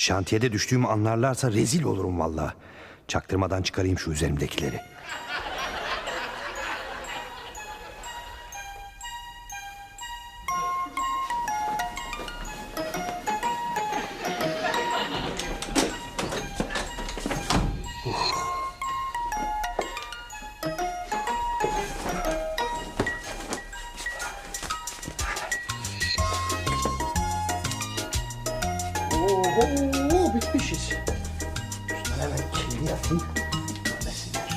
Şantiyede düştüğümü anlarlarsa rezil olurum vallahi. Çaktırmadan çıkarayım şu üzerimdekileri. Oho, bitmişiz. Üstüne hemen kilidi yapayım. Görmesinler.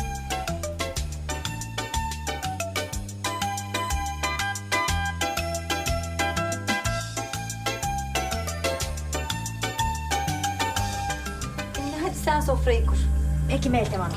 Hadi sen sofrayı kur. Peki Meltem Hanım.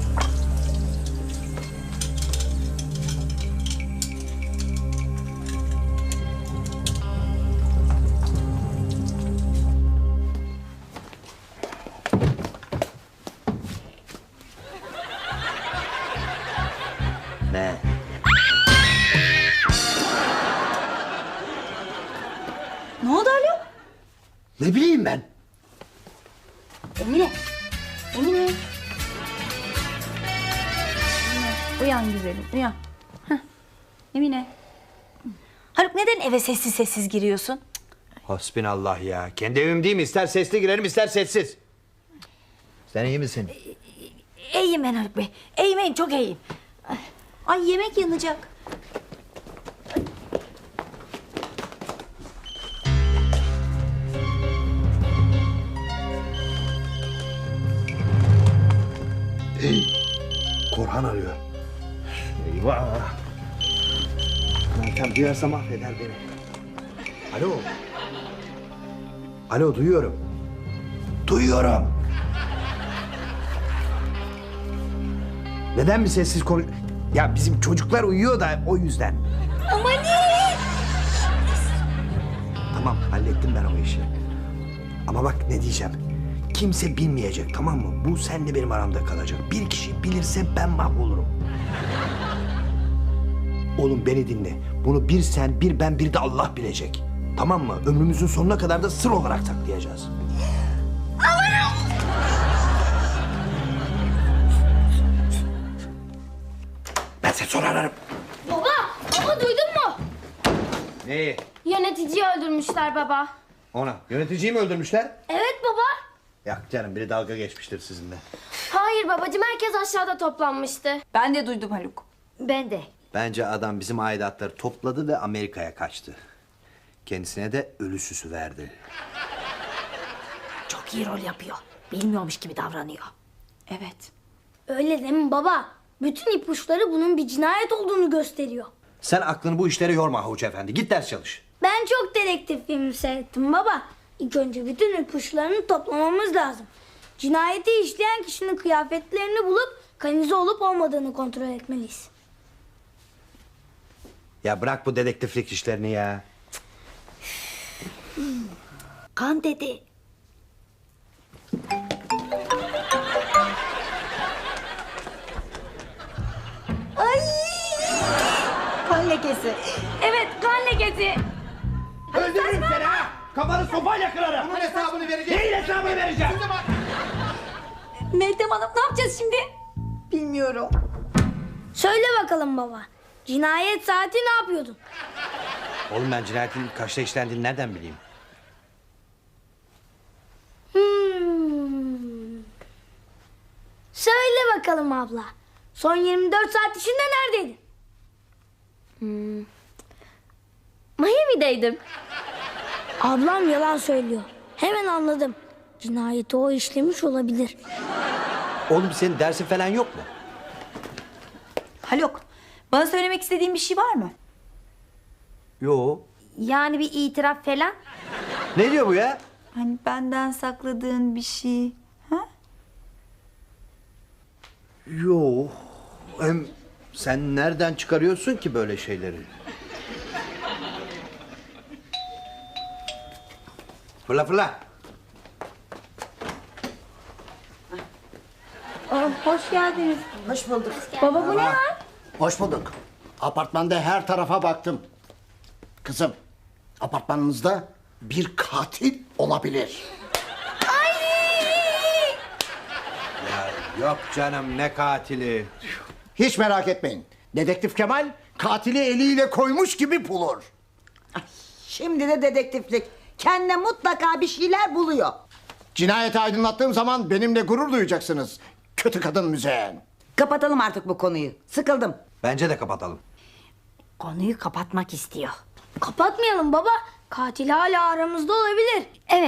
Ne? Ne oldu Haluk? Ne bileyim ben? Emine. Emine. Uyan güzelim, uyan. Heh. Emine. Haluk neden eve sessiz sessiz giriyorsun? Hasbinallah ya. Kendi evim değil mi? İster sesli girerim ister sessiz. Sen iyi misin? İyiyim ben Haluk Bey. İyiyim, çok iyiyim. Ay yemek yanacak. Korhan arıyor. Eyvah. Meltem duyarsa mahveder beni. Alo. Alo, duyuyorum. Duyuyorum. Neden bir sessiz konuş... Ya bizim çocuklar uyuyor da o yüzden. Ama ne? Tamam, hallettim ben o işi. Ama bak ne diyeceğim. Kimse bilmeyecek, tamam mı? Bu seninle benim aramda kalacak. Bir kişi bilirse ben mahvolurum. Oğlum beni dinle. Bunu bir sen, bir ben, bir de Allah bilecek. Tamam mı? Ömrümüzün sonuna kadar da sır olarak saklayacağız. Ben seni sonra ararım. Baba duydun mu? Neyi? Yöneticiyi öldürmüşler baba. Ona. Yöneticiyi mi öldürmüşler? Evet baba. Ya canım, biri dalga geçmiştir sizinle. Hayır babacığım, herkes aşağıda toplanmıştı. Ben de duydum Haluk. Ben de. Bence adam bizim aidatları topladı ve Amerika'ya kaçtı. Kendisine de ölü süsü verdi. Çok iyi rol yapıyor. Bilmiyormuş gibi davranıyor. Evet. Öyle değil mi baba? Bütün ipuçları bunun bir cinayet olduğunu gösteriyor. Sen aklını bu işlere yorma Havuç Efendi. Git ders çalış. Ben çok dedektif filmi seyrettim baba. İlk önce bütün ipuçlarını toplamamız lazım. Cinayeti işleyen kişinin kıyafetlerini bulup kanalize olup olmadığını kontrol etmeliyiz. Ya bırak bu dedektiflik işlerini ya. Kan dedi. Kan lekesi. Evet, kan lekesi. Öldürürüm seni ha! Kafanı sopayla kırarım. Bunun hesabını vereceğiz. Neyin hesabını vereceğim? Meltem Hanım ne yapacağız şimdi? Bilmiyorum. Söyle bakalım baba. Cinayet saati ne yapıyordun? Oğlum ben cinayetin kaçta işlendiğini nereden bileyim? Söyle bakalım abla. Son 24 saat içinde neredeydin? Miami'deydim. Ablam yalan söylüyor. Hemen anladım. Cinayeti o işlemiş olabilir. Oğlum senin dersin falan yok mu? Haluk, bana söylemek istediğin bir şey var mı? Yo. Yani bir itiraf falan? Ne diyor bu ya? Hani benden sakladığın bir şey. Ha? Yo. Hem sen nereden çıkarıyorsun ki böyle şeyleri? Fırla fırla. Hoş geldiniz. Hoş bulduk. Baba bu ne lan? Hoş bulduk. Apartmanda her tarafa baktım. Kızım, apartmanınızda bir katil olabilir. Yok canım, ne katili? Hiç merak etmeyin. Dedektif Kemal katili eliyle koymuş gibi bulur. Şimdi de dedektiflik. Kendine mutlaka bir şeyler buluyor. Cinayeti aydınlattığım zaman benimle gurur duyacaksınız. Kötü kadın Müzeyyen. Kapatalım artık bu konuyu. Sıkıldım. Bence de kapatalım. Konuyu kapatmak istiyor. Kapatmayalım baba. Katil hala aramızda olabilir. Evet.